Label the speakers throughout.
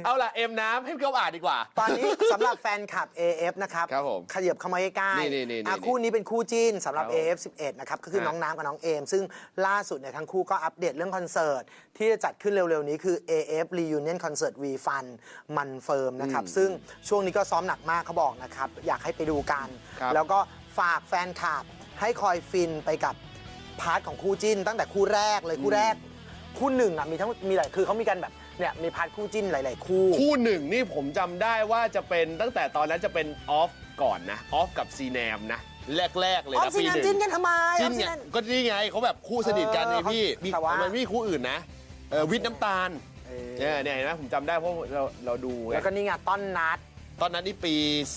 Speaker 1: เอาล่ะเอ็มน้ำให้พี่ก๊อฟอ่านดีกว่า
Speaker 2: ตอนนี้สำหรับแฟนคลับ AF นะครับขยับเข้ามาใกล้ๆคู่นี้เป็นคู่จิ้นสำหรับ AF 11นะครับก็คือน้องน้ำกับน้องเอมซึ่งล่าสุดเนี่ยทั้งคู่ก็อัปเดตเรื่องคอนเสิร์ตที่จะจัดขึ้นเร็วๆนี้คือ AF Reunion Concert V Fun มันเฟิร์มนะครับซึ่งช่วงนี้ก็ซ้อมหนักมากเขาบอกนะครับอยากให้ไปดูกันแล้วก็ฝากแฟนคลับให้คอยฟินไปกับพาร์ทของคู่จิ้นตั้งแต่คู่แรกเลยคู่แรกคู่หนึ่งอ่ะมีหลายคือเขามีกันแบบเนี่ยมีพาร์ทคู่จิ้นหลายๆคู่
Speaker 1: หนึ่งนี่ผมจำได้ว่าจะเป็นตั้งแต่ตอนนั้นจะเป็นออฟก่อนนะออฟกับซีแนมนะแรกเลยนะ
Speaker 2: ปีหนึ่งจิ้นกันทำไม
Speaker 1: จิ้นเนี่ยก็นี่ไงเขาแบบคู่สนิทกันไงพี่มันไม่มีคู่อื่นนะวิทย์น้ำตาลเนี่ยเห็นไหมผมจำได้เพราะเราดู
Speaker 2: แล้วก็นี่ไงต้นนัด
Speaker 1: นี่ปี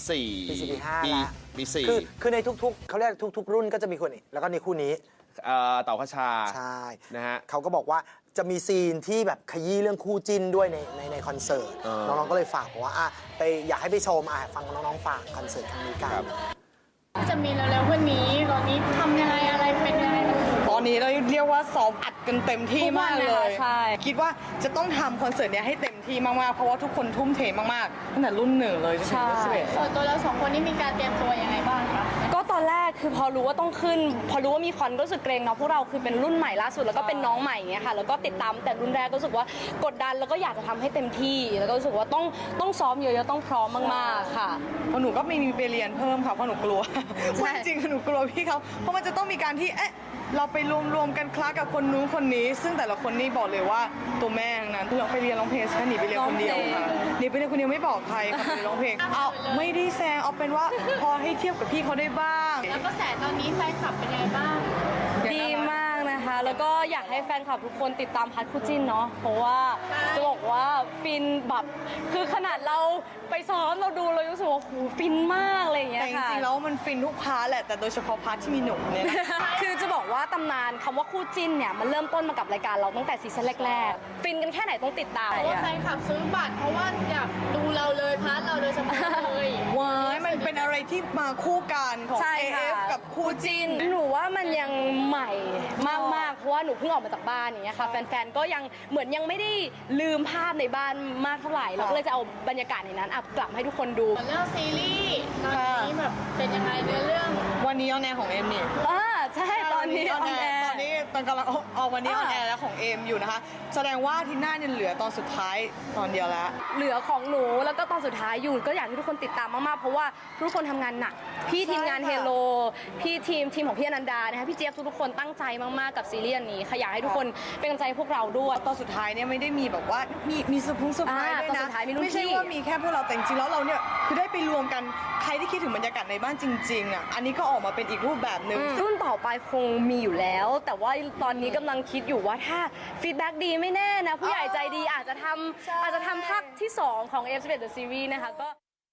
Speaker 1: 4ปี4
Speaker 2: คือในทุกๆเขาเรียกทุกๆรุ่นก็จะมีคนนี้แล้วก็ในคู่นี้
Speaker 1: เต่าขชา
Speaker 2: ใช่
Speaker 1: นะฮะ
Speaker 2: เขาก็บอกว่าจะมีซีนที่แบบขยี้เรื่องคู่จิ้นด้วยในคอนเสิร์ตน้องๆก็เลยฝากว่าไปอยากให้ไปชมฟังน้องๆฝากคอนเสิร์ตครั้งนี้กัน
Speaker 3: จะมีเร็วๆวันนี้ตอนนี้ทำยังไงอะไรเป็นยังไง
Speaker 4: ตอนนี้เราเรียกว่าซ้อมอัดกันเต็มที่มากเลยใช่คิดว่าจะต้องทำคอนเสิร์ตนี้ให้เต็มที่มากๆเพราะว่าทุกคนทุ่มเทมากๆตั้งแต่รุ่นหนึ่งเลยจนถึงรุ่น11
Speaker 3: ส่วนตัวเรา2 คนนี้มีการเตรียมตัวยังไงบ้างคะ
Speaker 5: ก็ตอนแรกคือพอรู้ว่าต้องขึ้นพอรู้ว่ามีคอนก็รู้สึกเกรงเนาะพวกเราคือเป็นรุ่นใหม่ล่าสุดแล้วก็เป็นน้องใหม่เงี้ยค่ะแล้วก็ติดตามแต่รุ่นแรกก็รู้สึกว่ากดดันแล้วก็อยากจะทำให้เต็มที่แล้วก็รู้สึกว่าต้องซ้อมเยอะๆต้องพร้อมมากๆค่ะ
Speaker 4: เพราะหนูก็มีไปเรียนเพิ่มค่ะเพราะหนูกลัวจริงๆหนูกลัวพี่เขาเพราะมันจะต้องมีการที่เราไปรวมกันคลาสกับคนนู้นคนนี้ซึ่งแต่ละคนนี่บอกเลยว่าตัวแม่ทั้งนั้นเราไปเรียนร้องเพลงแค่หนีไปเรียนคนเดียวค่ะหนีไปเรียนคนเดียวไม่บอกใครค่ะไปร้องเพลงเอาไม่ได้แซงเอาเป็นว่าพอให้เทียบกับพี่เขาได้บ้าง
Speaker 3: แล้วก็แสตอนนี้แฟนคลับเป็นไงบ้าง
Speaker 5: ดีมากนะคะแล้วก็อยากให้แฟนคลับทุกคนติดตามพัดคู่จิ้นเนาะเพราะว่าจะบอกว่าฟินแบบคือขนาดเราไปซ้อมเราดูเรารู้สึกว่าโหฟินมากอะไรอย่างเงี้ยค่ะ
Speaker 4: แต่จริงๆแล้วมันฟินทุกพาร์ทแหละแต่โดยเฉพาะพาร์ทที่มีหนุ่มเนี่ย
Speaker 5: คือจะบอกว่าตำนานคำว่าคู่จิ้นเนี่ยมันเริ่มต้นมากับรายการเราตั้งแต่ซีซั่นแรกๆฟินกันแค่ไหนต้องติดตาม
Speaker 3: เพราะว่าแฟนคลับซื้อบัตรเพราะว่าอยากดูเราเลยพาร์ทเราโดยเฉพาะเลย
Speaker 4: ว้ายมันเป็นอะไรที่มาคู่กันของ AF กับคู่จิ้น
Speaker 5: หนูว่ามันยังใหม่มากๆเพราะว่าหนูเพิ่งออกมาจากบ้านอย่างเงี้ยค่ะแฟนๆก็ยังเหมือนยังไม่ได้ลืมภาพในบ้านมากเท่าไหร่เราก็เลยจะเอาบรรยากาศในนั้นกลับให้ทุกคนดู
Speaker 3: เรื่องซีรีส์ตอนนี้แบบเป็นยังไงเรื่อง
Speaker 4: วันนี้ออนแอร์ของเอ็มนี่
Speaker 5: ใช่ตอนนี้ออนแอร์
Speaker 4: ตอนนี้ตอนกำลังเอาวันนี้ออนแอร์แล้วของเอ็มอยู่นะคะแสดงว่าที่หน้าเนี่ยเหลือตอนสุดท้ายตอนเดียวแล้ว
Speaker 5: เหลือของหนูแล้วก็ตอนสุดท้ายอยู่ก็อยากให้ทุกคนติดตามมากๆเพราะว่าทุกคนทำงานหนักพี่ทีมงานเฮโลพี่ทีมของพี่อนันดานะคะพี่เจี๊ยบทุกคนตั้งใจมากๆกับซีรีส์นี้อยากให้ทุกคนเป็นกำลังใจพวกเราด้วย
Speaker 4: ตอนสุดท้ายเนี่ยไม่ได้มีแบบว่ามีเซอร์ไพรส์ด้วยนะไม่ใช่ว่ามีแค่พวกเราแต่จริงๆแล้วเราเนี่ยคือได้ไปรวมกันใครที่คิดถึงบรรยากาศในบ้านจริงๆอันนี้ก็ออกมาเป็นอีกรูปแบบหนึ่ง
Speaker 5: รุ่นต่อไปคงมีอยู่แล้วแต่ว่าตอนนี้กำลังคิดอยู่ว่าถ้าฟีดแบ็กดีไม่แน่นะผู้ใหญ่ใจดีอาจจะทำภาคที่2ของ F11 The Series นะคะก็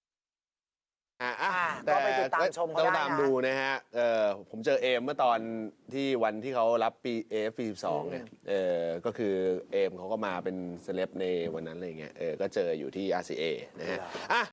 Speaker 2: ไปติดตามชม
Speaker 1: ต้องตามดูนะฮะผมเจอเอมเมื่อตอนที่วันที่เขารับปี AF12 เนี่ยก็คือเอมเขาก็มาเป็นเซเลบในวันนั้นอะไรเงี้ยก็เจออยู่ที่ RCA นะฮะ